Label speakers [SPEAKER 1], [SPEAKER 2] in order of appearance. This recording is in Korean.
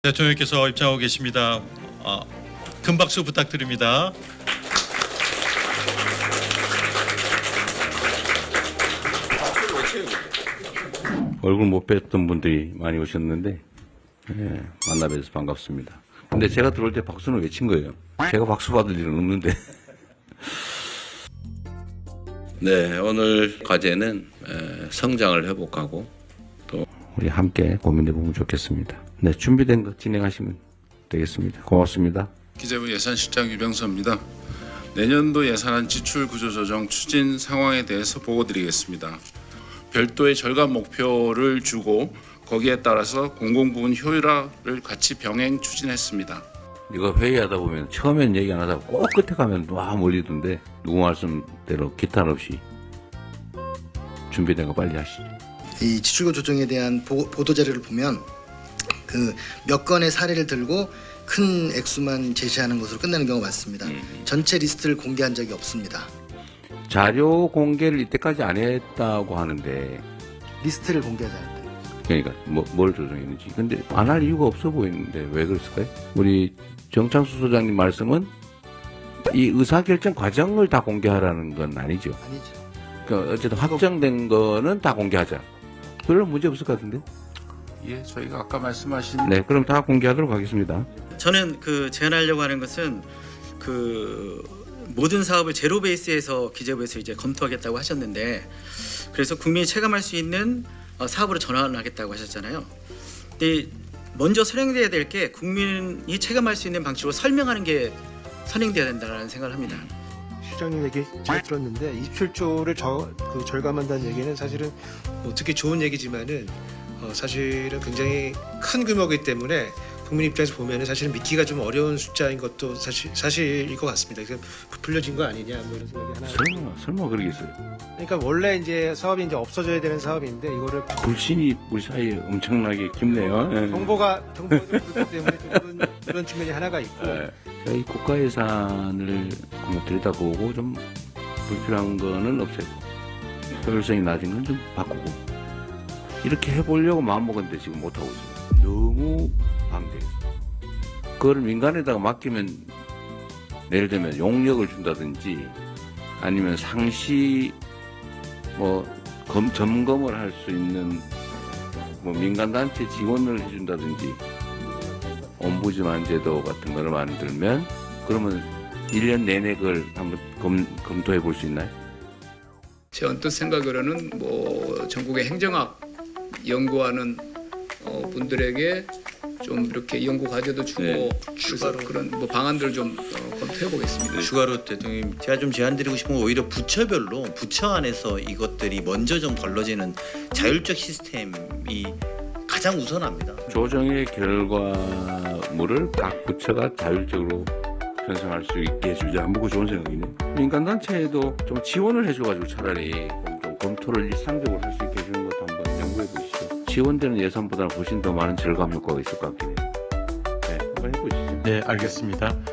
[SPEAKER 1] 대통령께서 입장하고 계십니다. 큰 박수 부탁드립니다.
[SPEAKER 2] 얼굴 못 뵀던 분들이 많이 오셨는데 만나 뵈서 반갑습니다. 근데 제가 들어올 때 박수는 외친 거예요. 제가 박수 받을 일은 없는데. 네, 오늘 과제는 성장을 회복하고 또 우리 함께 고민해 보면 좋겠습니다. 네, 준비된 거 진행하시면 되겠습니다. 고맙습니다.
[SPEAKER 3] 기재부 예산실장 유병서입니다. 내년도 예산안 지출 구조 조정 추진 상황에 대해서 보고드리겠습니다. 별도의 절감 목표를 주고 거기에 따라서 공공부문 효율화를 같이 병행 추진했습니다.
[SPEAKER 2] 이거 회의하다 보면 처음엔 얘기 안 하다가 꼭 끝에 가면 와 몰리던데 누구 말씀대로 기탄 없이 준비된 거 빨리 하시죠.
[SPEAKER 4] 이 지출구 조정에 대한 보도 자료를 보면 그 몇 건의 사례를 들고 큰 액수만 제시하는 것으로 끝나는 경우가 많습니다. 전체 리스트를 공개한 적이 없습니다.
[SPEAKER 2] 자료 공개를 이때까지 안 했다고 하는데
[SPEAKER 4] 리스트를 공개하지 않았다.
[SPEAKER 2] 그러니까 뭘 조정했는지. 근데 안 할 이유가 없어 보이는데 왜 그랬을까요? 우리 정창수 소장님 말씀은 이 의사결정 과정을 다 공개하라는 건 아니죠.
[SPEAKER 4] 아니죠.
[SPEAKER 2] 그러니까 어쨌든 확정된 거는 다 공개하자. 별로 문제 없을 것 같은데?
[SPEAKER 3] 예, 저희가 아까 말씀하신
[SPEAKER 2] 네, 그럼 다 공개하도록 하겠습니다.
[SPEAKER 5] 저는 제안하려고 하는 것은 모든 사업을 제로 베이스에서 기재부에서 이제 검토하겠다고 하셨는데, 그래서 국민이 체감할 수 있는 사업으로 전환하겠다고 하셨잖아요. 근데 먼저 선행돼야 될 게 국민이 체감할 수 있는 방식으로 설명하는 게 선행돼야 된다는 생각을 합니다.
[SPEAKER 6] 실장님 얘기 잘 들었는데 27조를 절감한다는 얘기는 사실은 뭐 듣기 좋은 얘기지만은 사실은 굉장히 큰 규모이기 때문에 국민 입장에서 보면은 사실은 믿기가 좀 어려운 숫자인 것도 사실일 것 같습니다. 그래서 부풀려진 거 아니냐 뭐 이런 생각이 하나.
[SPEAKER 2] 설마 그러겠어요.
[SPEAKER 6] 그러니까 원래 이제 사업이 이제 없어져야 되는 사업인데 이거를
[SPEAKER 2] 불신이 우리 사이에 엄청나게 깊네요.
[SPEAKER 6] 정보가 좀 부족하기 때문에 좀 그런 측면이 하나가 있고.
[SPEAKER 2] 저희 국가 예산을 한번 들여다보고 좀 불필요한 거는 없애고 효율성이 낮은 건 좀 바꾸고 이렇게 해보려고 마음먹었는데 지금 못하고 있어요. 너무 방대해서. 그걸 민간에다가 맡기면 예를 들면 용역을 준다든지 아니면 상시 점검을 할 수 있는 민간단체 지원을 해준다든지 옴부즈만 제도 같은 거를 만들면 그러면 1년 내내 그걸 한번 검토해 볼 수 있나요?
[SPEAKER 7] 제 언뜻 생각으로는 전국의 행정학 연구하는 분들에게 좀 이렇게 연구 과제도 주고 추가로 그런 방안들을 좀 검토해 보겠습니다.
[SPEAKER 1] 추가로 대통령님, 제가 좀 제안드리고 싶은 건 오히려 부처별로 부처 안에서 이것들이 먼저 좀 걸러지는 자율적 시스템이 가장 우선합니다.
[SPEAKER 2] 조정의 결과물을 각 부처가 자율적으로 편성할 수 있게 해주자. 그거 좋은 생각이네. 민간단체에도 좀 지원을 해줘가지고 차라리 좀 검토를 일상적으로 할 수 있게 해주는 것도 한번 연구해 보시죠. 지원되는 예산보다는 훨씬 더 많은 절감 효과가 있을 것 같긴 해요. 네, 한번 해보시죠.
[SPEAKER 1] 네, 알겠습니다.